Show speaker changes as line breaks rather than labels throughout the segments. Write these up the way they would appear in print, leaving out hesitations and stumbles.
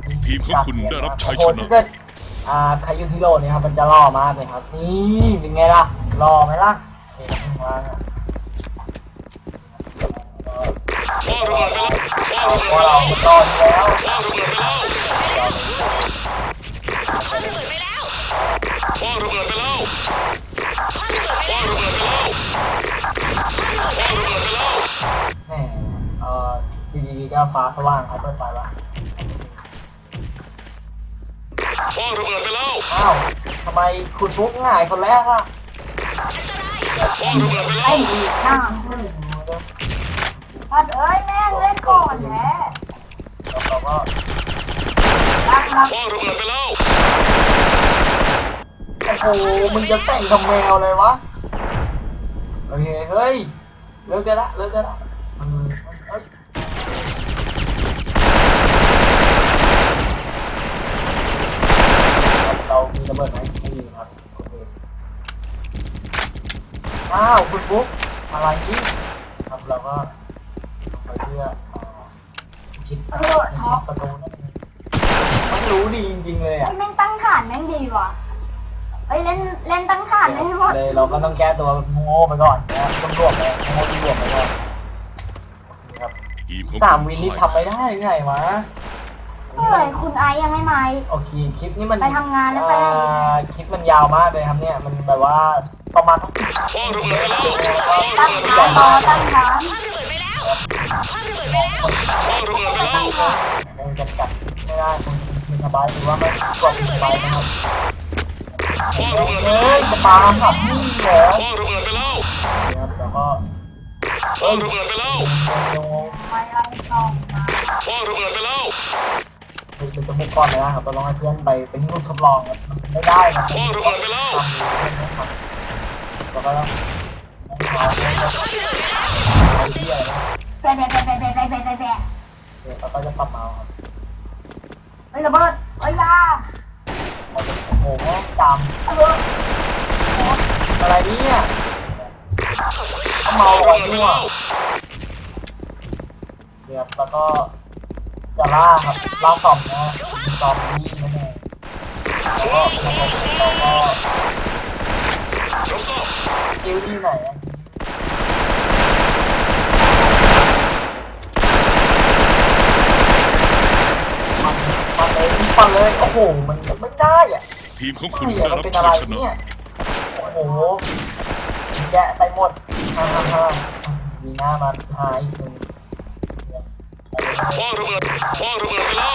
ทีมของคุณได้รับชัยชนะ
ถ้าเกิดคายุฮิโร่เนี่ยครับมันจะล่อมากเลยครับนี่เป็นไงล่ะล่อไหมล่ะเห็นข้างล่างอ่ะ
พ่อระเบิดไปแล้วพ่อระเบิด
พอ
ไป
เรา
แล้ว
ล่ออยู่แล้ว
พ่อระเบิดไปแล้ว
พ่อระเบิดไปแล้ว
พ่อระเบิดไปแล้ว
พ่อระเบิดไป
พ่อ
แล้ว
ระเบิดไปแล้ว
พ่อระเบิดไป
พ่อ
แล้ว
ระเบิดไปแล้ว
แหมดีๆก็ฟ้าสว่างครับเปิดไฟวะ
พ่อระเบิดไปแล้ว
อ้าวทำไมคุณฟุกง่ายคนแรกอ่ะ
พ่อระเบิดไปแล้
ไอ้
ว
ดีหน้าพัดเอ้ยแม่เล่นก่อนแหละ
แล้วเราก็
รัก
พ่อระเบิดไปแล้ว
โอ้โหมึงจะแต่งกับแมวเลยวะโอเคเฮ้ยเลิกได้ละเลิกได้ละเอ้ยเรามีระเบิดไหมไม่มีครับโอเคอ้าวคุณฟุกอะไรนี่ครับเราก็ไปเพื่อชิดประตูนั่นเองมันรู้ดีจริงๆเลยอ่ะ
แม่งตั้งฐานแม่งดีว่ะเอ้ยเล่นตั้งฐานให้หมด
เลยเราก็ต้องแก้ตัวโง่ไปก่อนนะต้องรวบเลยโง่ที่รวบไปก่อนครับ
ทีมของ
สาม
คุณ
วินนี่
พ่าย
ทำไม่ได้หรือไงวะ
เอ้ยคุณไอซ์ยังไม่มา
โอเคคลิปนี้มัน
ไปทำงานแล้วไปไหน
คลิปมันยาวมากเลยครับเนี่ยมันแบบว่าประมาณ
พ่อระเบิดไปแล้ว
ตั้งฐานรอตั้งฐาน
พ่อระเบิดไปแล้วพ่อระเบิดไปแล้ว
พ่อระเบิดไปแล้ว
มันจะจัดไม่ได้คุณมีสบายหรือว่าไม่กดสบายนะครับ
พ่อระเบิดไป
เฮ้
แล้ว
ยจะปาหับนี่เหรอ
พ่อระเบิดไปแล้ว
ครับแล้วก็
พ่อระเบิดไปแล้ว
ไม่ไล่ต้องมา
พ่อระเบิดไปแล้ว
เป็นจมูกก้อนเลยนะครับเราลองให้เพื่อนไปเป็นรุ่นทดลองครับมันไม่ได้นะ
พ่อระเบิดไปแล้ว
แล้วก็ต้องเอาไปที่อะไรนะ
แบะแบะแบะแบะแบะแบะแบะแบะ
เดี๋ยวเราก็จะปรับเมาส์ครับ
เฮ้ยระเบิดเฮ้ยยา
โอ้โหจ
ระเบิด
ำอะไรเนี่ย
ขอบคุณ
เขา
พ่อ
เมา
ระ
อะไร
เบิดไป
เนี่ย
แล้ว
เดี๋ยวแล้วก็จะล่าครับล่าสองนะตอมนี่นั่นเองแล้วก็เราก็
รับทราบ
คิวที่ไหนอะปั่นเลยโอ้โหมันไม่ได้อ่ะ
ทีมของคุณ
ไม่
ได้
อะมัน
รับ
เป็น
ชั
อะไร
ยชนะ
เนี่ยโอ้โหแกะไปหมดฮ่ามีหน้ามาหายอีกหนึ่ง
พ่อระเบิดพ่อระเบิดไปแล้ว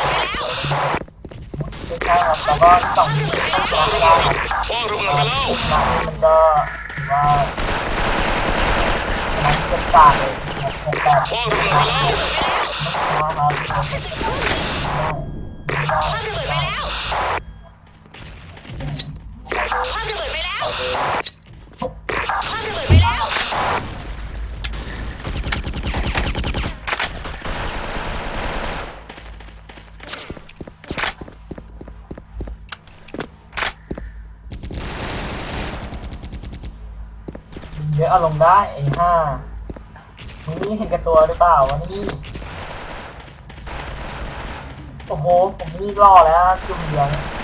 ไม่ใช่ครับแล้วก็สองต้องไม่ได้ครับ
พ่อระเบิดไปแล้ว
หนังมันก็ถือว่ามันเป็นการเลยแบบ
พ่อระเบิดไปแล้ว
นะครับ
พ่อระเบิดไปแล้วพ่อระเบิดไปแล้วพ่อระเบิดไปแล้ว
เยอะอารมณ์ได้ไอ้ห้ามึงนี่เห็นกับตัวหรือเปล่าวะนี่โอ้โหผมนี่รอแล้วจุ่มเดียว